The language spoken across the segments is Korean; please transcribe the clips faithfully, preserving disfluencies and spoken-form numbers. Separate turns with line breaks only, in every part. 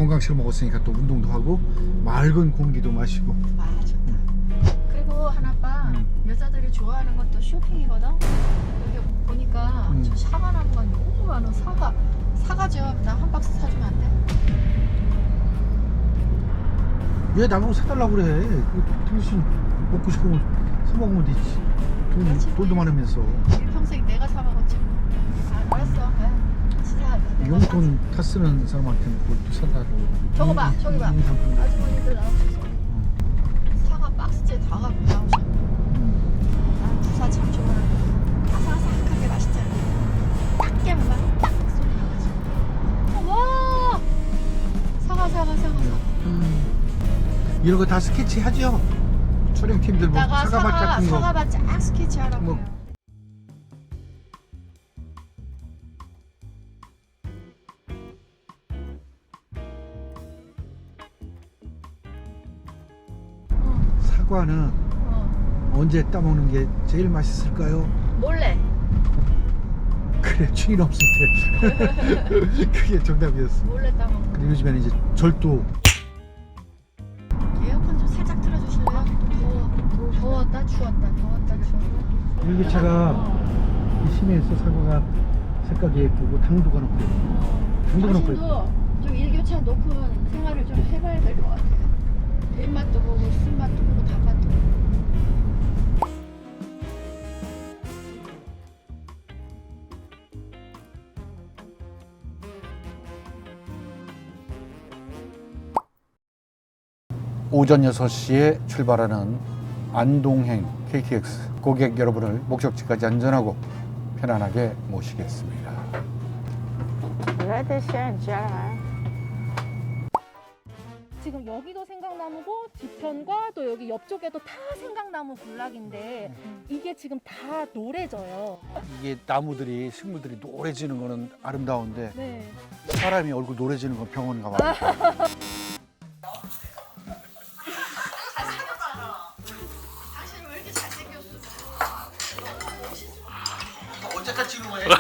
건강식을 먹었으니까 또 운동도 하고 맑은 공기도 마시고.
아 좋다. 그리고 하나빠
음.
여자들이 좋아하는 것도 쇼핑이거든. 여기 보니까
음.
저 사과 나무가 너무 많아. 사과 사과 좀 나 한 박스 사주면 안 돼?
왜 나보고 사달라고 그래? 그 당신 먹고 싶으면 사 먹으면 되지. 돈,
그렇지.
돈도 많으면서.
일평생 내가 사 먹었지 뭐. 아, 알았어. 네. 진짜 내가
용돈 타 쓰는 사람한테는 그것도 사달라고.
저거 봐, 저기 봐.
인상품.
아주머니들 나오셔서 사과 박스째 다 갖고 나오셔. 난 부사 참 좋아하는데 아삭아삭하게 맛있잖아. 딱 깨면 딱 소리 나가지고. 와! 사과 사과 사과 사과.
음. 이런 거 다 스케치 하죠? 촬영팀들 뭐
이따가
사과밭
사과
같은 거.
사과밭 쫙 스케치 하라고.
뭐. 사과는
어.
언제 따먹는 게 제일 맛있을까요?
몰래.
그래, 충이 없을 때. 그게 정답이었어.
몰래 따먹어.
근데 요즘에는 이제 절도.
에어컨 좀 살짝 틀어주실래요? 더워. 더웠다 추웠다. 더웠다 추웠다.
일교차가 이 심해서 사과가 색깔이 예쁘고 당도가 높고. 당도가 높고.
당신도 좀 일교차 높은 생활을 좀 해봐야 될 것 같아요. 입맛도 보고 술맛도 보고 밥맛도 보고.
오전 여섯 시에 출발하는 안동행 케이티엑스 고객 여러분을 목적지까지 안전하고 편안하게 모시겠습니다.
지금 여기도 생강나무고 뒤편과 또 여기 옆쪽에도 다 생강나무 군락인데 이게 지금 다 노래져요.
이게 나무들이 식물들이 노래지는 거는 아름다운데
네.
사람이 얼굴 노래지는 건 병원 가봐.
당신 왜 이렇게 잘생겼어?
언제까지 찍는 거야?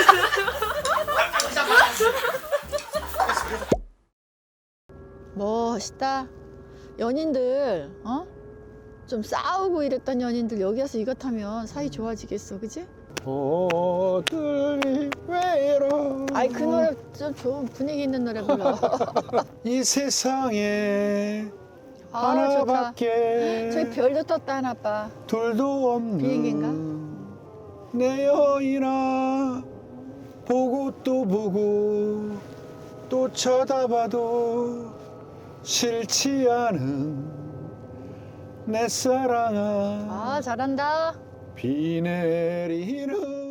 멋있다. 연인들 어? 좀 싸우고 이랬던 연인들 여기 와서 이거 타면 사이 좋아지겠어, 그지?
보들이 외로워.
아이 그 노래 좀 좋은 분위기 있는 노래 불러.
이 세상에
아 좋다.
하나밖에
저기 별도 떴다 하나 봐.
둘도 없는
비행기인가?
내 여인아 보고 또 보고 또 쳐다봐도 싫지 않은 내 사랑아
아 잘한다.
비 내리는